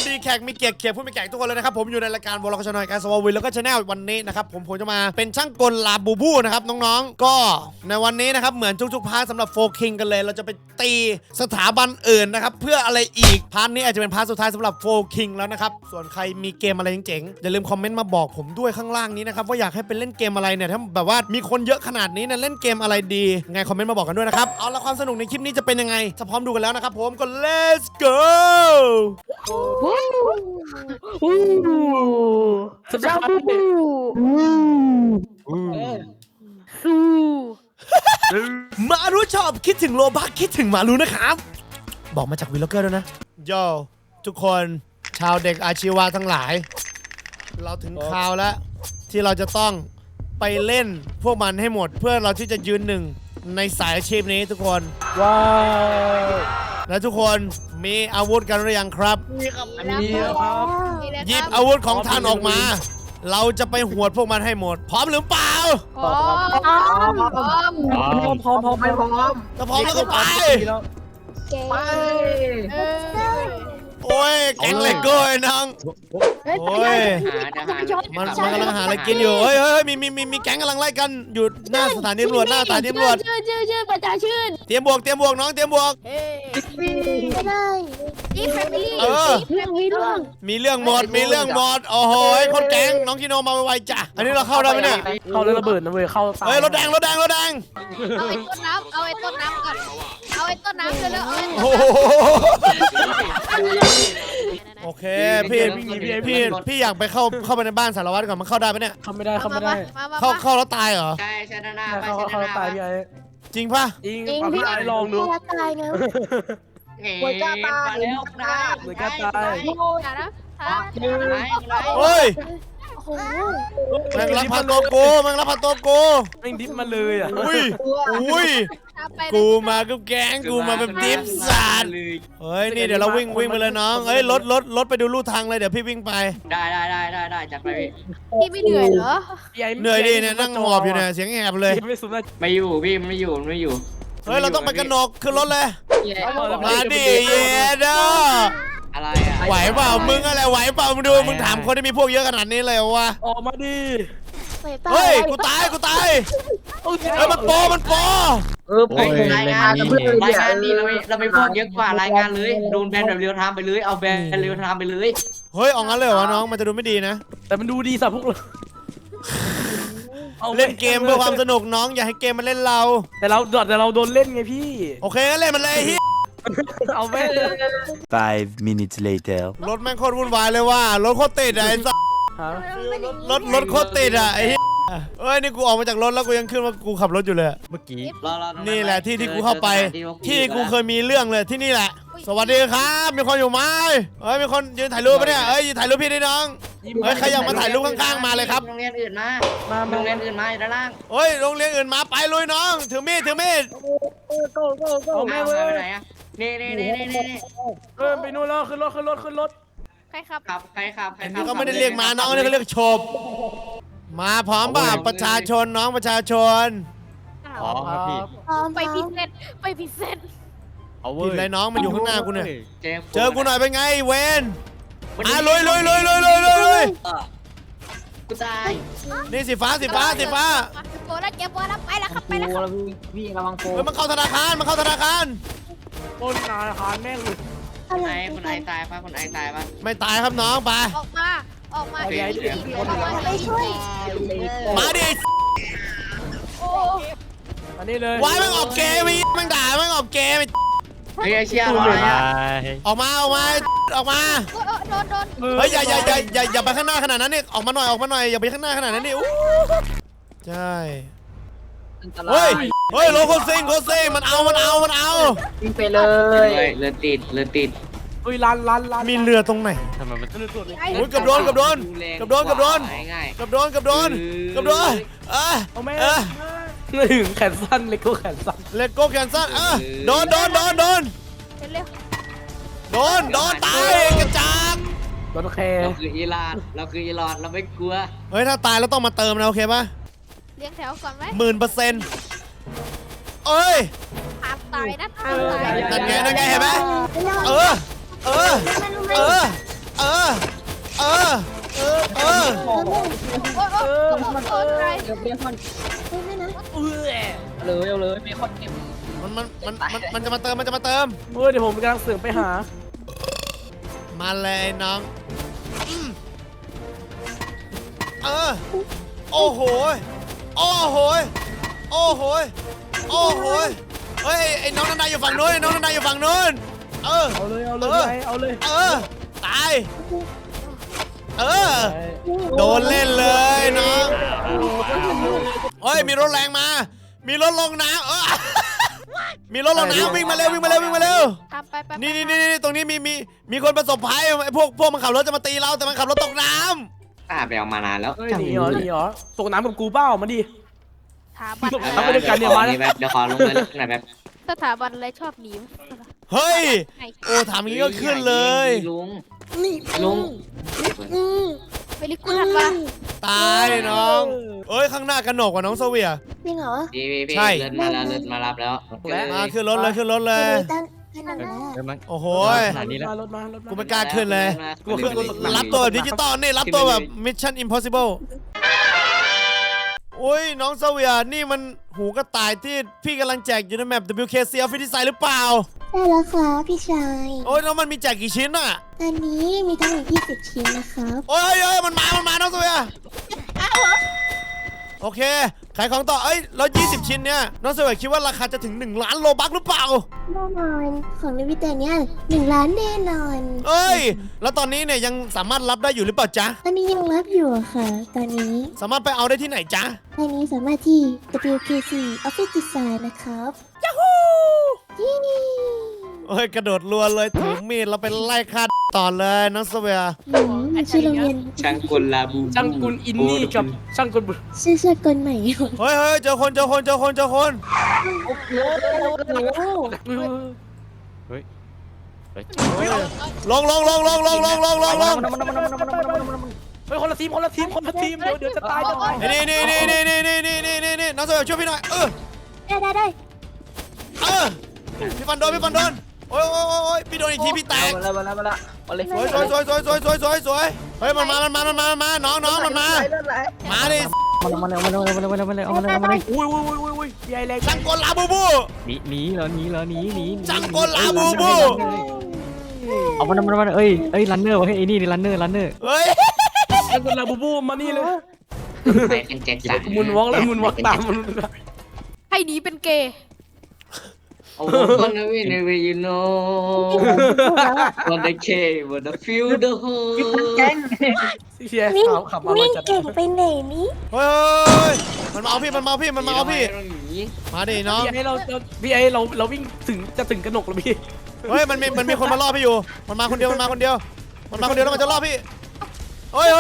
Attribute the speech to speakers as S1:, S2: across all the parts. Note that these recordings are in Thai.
S1: ดีแขกมีเกียรติเขียบผู้มีแขกทุกคนเลยนะครับผมอยู่ในรายการวอลล์ชาแนลการสวอวิลแล้วก็ชาแนลวันนี้นะครับผมจะมาเป็นช่างกลลาบูบูนะครับน้องๆก็ในวันนี้นะครับเหมือนทุกๆพาร์ทสำหรับโฟคิงกันเลยเราจะไปตีสถาบันอื่นนะครับเพื่ออะไรอีกพาร์ทนี้อาจจะเป็นพาร์ทสุดท้ายสำหรับโฟคิงแล้วนะครับส่วนใครมีเกมอะไรเจ๋งๆอย่าลืมคอมเมนต์มาบอกผมด้วยข้างล่างนี้นะครับว่าอยากให้เป็นเล่นเกมอะไรเนี่ยถ้าแบบว่ามีคนเยอะขนาดนี้เนี่ยเล่นเกมอะไรดีไงคอมเมนต์มาบอกกันด้วยนะครับเอาละความสนุกในคลิปนี้จะเป็นยังไงถ้าพร้อมดูกันแล้วนะครับผมก็ let's go
S2: สำหรับ
S1: มารู้ชอบคิดถึงโลบักคิดถึงมารู้นะครับบอกมาจากวีล็อกเกอร์ด้วยนะโยทุกคนชาวเด็กอาชีวะทั้งหลายเราถึงคราวแล้วที่เราจะต้องไปเล่นพวกมันให้หมดเพื่อเราที่จะยืนหนึ่งในสายอาชีพนี้ทุกคน
S2: ว้าว
S1: และทุกคนมีอาวุธกันหรือยังครับ
S2: มีครับ
S1: หยิบอาวุธของท่านออกมาเราจะไปหวดพวกมันให้หมดพร้อมหรือเปล่า
S2: พร้อม
S1: ถ้าพร้อมแล้วก็ไปโอ้ยแก๊งเลโก้ไอ้น้องโอ้ยมันกำลังหาอะไรกินอยู่เฮ้ยมีแก๊งกำลังไล่กันอยู่หน้าสถานีตำรวจชื่อ
S3: ประชาชื่น
S1: เตรียมบวกน้องเตรียมบวก
S3: ไม่ได้อีแฟมิลี่
S1: มีเรื่องหมดโอ้โหคนแก๊งน้องกิโนมาไวๆจ้ะอันนี้เราเข้าได้ไหมเนี่ย
S2: เข้าแล้วระเบิดนะเว้ยเข้า
S1: เฮ้ยรถแดง
S3: เอาไอ้ต้นน้ำก่อนเอาไอ้ต้นน้ำเลย
S1: โอ้โอเคพี่อยากไปเข้าไปในบ้านสารวัตรก่อนมันเข้าได้ไหมเนี่ย
S2: เข้าไม่ได้
S1: เข้าแล้วตายเหรอ
S4: ใช่ใช่หน้า
S2: เข้าตายพี่ไอ้
S1: จริงป่ะ
S2: จริงพี่ไอ้ลองดู
S3: ตายนะ
S4: หัวจ้าตายมาแล้วนะ
S2: หัวจ้าตาย
S1: เฮ้ย
S3: โอ้โห
S1: แม่งรับพาตัวกูแ
S2: ม่งดิฟมาเลยอ่ะ
S1: อุ้ยกูมากับแก๊งกูมาแบบดิฟสัตว์เฮ้ยนี่เดี๋ยวเราวิ่งไปเลยน้องเฮ้ยรถไปดูลู่ทางเลยเดี๋ยวพี่วิ่งไป
S4: ได้จัดไป
S3: พี่ไม่เหนื่อยเหรอ
S1: เหนื่อยดิเนี่ยนั่งหอบอยู่เนี่ยเสียงแหบเลย
S4: ไม่อยู่พี่ไม่อยู่
S1: เฮ้ยเราต้องไปกันนกขึ้นรถเลยมาดิเย็ด
S4: อะไรอ่ะ
S1: ไหวเปล่ามึงอะไรไหวเปล่ามึงดูมึงถามคนที่มีพวกเยอะขนาดนี้เลยวะ
S2: ออกมาดิ
S1: เฮ้ยกูตายเฮ้ยมันโป
S4: รายงานนี่เราไม่พวกเยอะกว่ารายงานเลยโดนแบนแบบเรียวไทม์ไปเลยเอาแบนเรียวไทม์ไปเลย
S1: เฮ้ยเอางั้นเลยเหรอน้องมันจะดูไม่ดีนะ
S2: แต่มันดูดีสับพวกเรา
S1: เล่นเกมเพื่อความสนุกน้องอย่าให้เกมมันเล่นเรา
S2: แต่เราโดนเล่นไงพี่
S1: โอเคงั้นเล่นมันเลยเฮีย
S2: เอาไป
S5: 5 minutes later
S1: รถแม่งโคตรวุ่นวายเลยว่ารถโคตรติดอะไอ้สัสรถโคตรติดอะไอ้เฮียเอ้ยนี่กูออกมาจากรถแล้วกูยังขึ้นว่ากูขับรถอยู่เลยเมื่อกี้นี่แหละที่กูเข้าไปที่กูเคยมีเรื่องเลยที่นี่แหละสวัสดีครับมีคนอยู่ไหมเฮ้ยมีคนยืนถ่ายรูปปะเนี่ยเฮ้ยยืนถ่ายรูปพี่ดิน้องเฮ้ยใครอยากมาถ่ายรูปข้างๆมาเลยครับ
S4: โรงเรียนอื่นมาโรงเรียนอื่นมาอยู่ด้านล่าง
S1: เฮ้ยโรงเรียนอื่นมาไปลุยน้องถือมีด
S4: เอาแม่ไปไหนอะนี่
S2: ไปนู่นแล้วขึ้นรถ
S3: ใครขับ
S1: อันนี้ก็ไม่ได้เรียกมาน้องนี่เขาเรียกโฉบมาพร้อมป่ะประชาชนน้องประชาชน
S2: อ๋อครับพี่
S3: ไปพิเศษ
S1: ผิดอะไรน้องมันอยู่ข้างหน้ากูเนี่ยเจอกูหน่อยเป็นไงเวนลุย
S4: กูตาย
S1: นี่สีฟ้า
S3: โบแล้วเก็บโบแล้วไปแล้วครับ
S4: พี่ระวังโฟ
S1: มันเข้าธนาคาร
S2: ปล้นธนาคารแม่งเลย
S4: คุณไอตายปะ
S1: ไม่ตายครับน้องไป
S3: ออกมา
S1: ไป
S3: ช่วย
S1: มาดิ
S2: อันนี้เลยว
S1: ายมันออกเกมมันด่ามันออกเกม
S4: เฮ้ยเชี่ย
S1: ออกมาโดนเฮ้ยอย่าไปข้างหน้าขนาดนั้นนี่ออกมาหน่อยอย่าไปข้างหน้าขนาดนั้นนี่ใช่เฮ้ยโลโคซิงมันเอา
S4: วิ่งไปเลยเรือติด
S2: ลัน
S1: มีเรือตรงไหน
S2: ทำไมมันเรือตัวนี้
S1: โอ้ยกับโดน
S2: เอาแม่ถึงแขนสั้นเลโก้แขนสั้น
S1: โดนตายกระจัง
S2: โดนแค
S4: เราคืออีรานเราไม่กลัว
S1: เฮ้ยถ้าตายแล้วต้องมาเติมนะโอเคปะ
S3: เลี้ยงแถวก่อนไหม
S1: 10,000เอ้ย
S3: ตายนะ
S1: นั่นไงเห็นไหมเออเออเออ
S3: โอ้ใคร
S2: เดี๋ยวเบคอน
S6: ไม่นะ
S2: เลยเอาเลยเบคอนเก็บ
S1: มันจะมาเติมมันจะมาเติม
S2: เดี๋ยวผมกำลังเสื่อมไปหา
S1: มาเลยน้องเออโอ้โหโอ้โหโอ้โหโอ้โหเฮ้ยไอ้น้องนันดาอยู่ฝั่งนู้นไอ้น้องนันดาอยู่ฝั่งนู้นเออ
S2: เอาเลยเอาเลย
S1: เออตายเออโดนเล่นเลยน้องเฮ้ยมีรถแรงมามีรถลงน้ำมีรถลงน้ำวิ่งมาเร็ววิ่งมาเร็ววิ่งมาเร็ว
S3: ทำไป
S1: นี่ตรงนี้มีคนประสบภัยไอ้พวกมันขับรถจะมาตีเราแต่มันขับรถตกน้ำ
S4: ป้าไปเอามานานแล้ว
S2: เฮ้ยหนีเหรอตกน้ำกับกูเป้ามาดิ
S3: ถาบัน
S2: เอาไปด้วยกันเนี่ยมา
S4: เดี๋ยวขอลงเลยหน่อยแบบ
S3: สถาบันอะไรชอบหนี
S1: เฮ้ยโอ้ถามอย่างนี้ก็ขึ้นเลย
S4: ลุง
S6: นี่
S4: ลุง
S3: เวลิกูทันปะ
S1: ตายน้องเอ้ยข้างหน้ากระหนกกว่าน้องโซเวีย
S6: จริงเหรอ
S4: พี่
S1: ใช่
S4: เลิศมาแล้วเลิศมารับแล้ว
S1: มาขึ้นรถเลยขึ้นรถเลย
S6: ตั้งขนาดนั้น
S1: โอ้โห
S2: ขนาดนี้แล้วรถมา
S1: กูไม่กล้าขึ้นเลย
S2: กูขึ้นรถ
S1: รับตัวแบบดิจิตอลนี่รับตัวแบบ Mission Impossible โอ้ยน้องโซเวียนี่มันหูกระต่ายที่พี่กำลังแจกอยู่ในแมป WKC Office Design หรือเปล่า
S6: ได้แล้วครับพี่ชาย
S1: โอ้ยแล้วมันมีแจกกี่ชิ้นอ่ะ
S6: อันนี้มีทั้งหมด20 ชิ้นนะครับ
S1: โอ้ยมันมาน้องโซเวียโอเคขายของต่อเอ้ยแล้ว20 ชิ้นเนี่ยน้องโซเวียคิดว่าราคาจะถึง1 ล้านโลบัคหรือเปล่า
S6: แน่นอนของในวิเตเนี่ย1 ล้านแน่นอน
S1: เอ้ยแล้วตอนนี้เนี่ยยังสามารถรับได้อยู่หรือเปล่าจ๊ะ
S6: ตอนนี้ยังรับอยู่อะค่ะ ตอนนี้
S1: สามารถไปเอาได้ที่ไหนจ๊ะ
S6: ตอนนี้สามารถที่ WKC Office Design นะครับยูฮู
S1: เอ้ยกระโดดรัวเลยถือมีดแล้วไปไล่ฆ่าต่อเลยน้องโซเวีย
S6: ชื่อโรงเรียน
S4: ช่างกลลาบู
S2: ช่างกุลอินนี่กับช่างกุลบุ
S6: ชื่อกลใหม่
S1: เฮ้ยเจอคน ลง
S2: เฮ้ยคนละทีมเดี๋ยวจะตายจะตาย
S1: นี่น้องโซเวียช่วยพี่หน่อย
S6: ได้
S1: พี่ฟันโดนโอ้ยพี่โดนอีกทีพี่แตก
S2: มาเลย
S1: สวยเฮ้ยมันมาน้องมันมาดิ
S2: มาอุ้ยใหญ่แรง
S1: จังกลลาบูบู
S7: หนีเหรอ
S1: จังกลลาบูบู
S7: เอามันเอ้ยรันเนอร์วะไอ้นี่รันเนอร์
S1: เฮ้ย
S2: ช่างกุลลาบูบูมานี่เลย
S4: ไปเป็นแจ็คสัน
S2: มุนวอล์กแล้วมุนวอล์กตามมัน
S3: ให้หนีเป็นเกย์
S4: โอ้โหคนนั้นวินเวยูโน่ วันเดย์เควันเดย์ฟิลเดอร์โฮ
S2: เชียร์
S6: วิ่ง
S2: ขับมา
S6: วิ่ง
S2: จัด
S6: เก่งไปไหนนี่
S1: เฮ้ยมันมาเอาพี่มาดิน้อง
S2: พี่ไอเราวิ่งจะถึงกระหนกแล้วพี่
S1: เฮ้ยมันมีคนมาล่อพี่อยู่มันมาคนเดียวแล้วมันจะล่อพี่เฮ้ย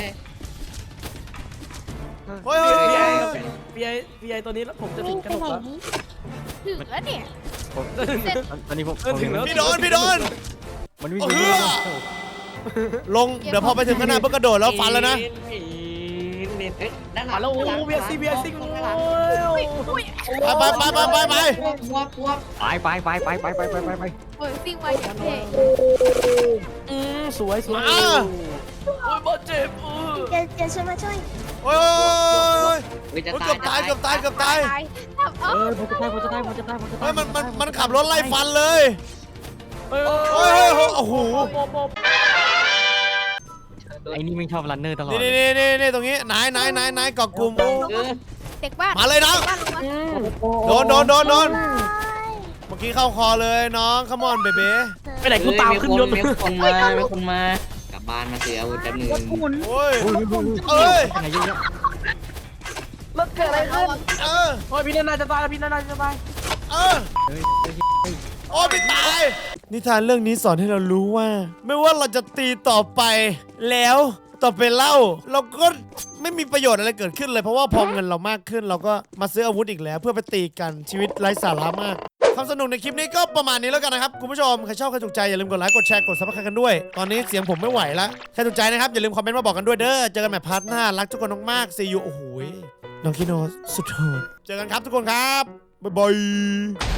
S2: พี่ไอตัวนี้แล้วผมจะถึ
S6: วิ่ง
S2: งก
S6: ไประ
S2: หน
S6: ไหน
S2: กแล้ว
S6: นี่
S3: ถึงแล้วเนี่ย
S7: ตอนนี้ผม
S2: ถึงแล้ว
S1: พี่โดน
S7: มันวิ่ง
S1: ลงเดี๋ยวพอไปถึงขนาดเพิ่งกระโดดแล้วฟันแล้วนะ
S4: ด้านหลั
S2: มาง แล้วโอ้เบียร์ซิ
S3: อุ้ย
S1: ไป
S4: พวก
S7: ไป
S3: โอ้ยซิ่งไวอย่างเท่
S2: สวยโอ้ยบอลเจ็บ
S6: เดี๋ยวฉันมาช่วย
S1: โอ้ย
S4: จะ
S1: เกือบตาย
S3: ผมจะตาย
S1: เฮ้ยมันขับรถไล่ฟันเลยโอ้โห
S7: ไอ้นี่ไม่ชอบรันเนอร์ตลอด
S1: นี่ตรงนี้ไหนเกาะกลุ่ม
S3: เด็กบ้าน
S1: มาเลยน้อง
S3: บ้านลงมา
S1: โดนเมื่อกี้เข้าคอเลยน้องขมอนเบเบ้
S2: ไปไหนกูตามขึ้นยศ
S4: มีคนมากลับบ้านมาเสียอาวุธแป๊บนึง
S1: โอ้ยเอ้ย
S7: ไหนเยอะ
S2: รถเกิดอะไรขึ้น โอ้ยพี่นาจะตายแล้วพี่นาจะตาย
S1: โอ้พี่ตายนิทานเรื่องนี้สอนให้เรารู้ว่า ไม่ว่าเราจะตีต่อไปแล้วต่อไปเล่าเราก็ไม่มีประโยชน์อะไรเกิดขึ้นเลยเพราะว่าพอเงินเรามากขึ้นเราก็มาซื้ออาวุธอีกแล้วเพื่อไปตีกันชีวิตไร้สาระมากความสนุกในคลิปนี้ก็ประมาณนี้แล้วกันนะครับคุณผู้ชมใครชอบใครถูกใจอย่าลืมกดไลค์กดแชร์กดซับสไครต์กันด้วยตอนนี้เสียงผมไม่ไหวแล้วใครถูกใจนะครับอย่าลืมคอมเมนต์มาบอกกันด้วยเด้อเจอกันใหม่พาร์ทหน้ารักทุกคนมากๆซีอูโอ้โหน้องคิโนสุดโหดเจอกันครับทุกคนครับบ๊ายบาย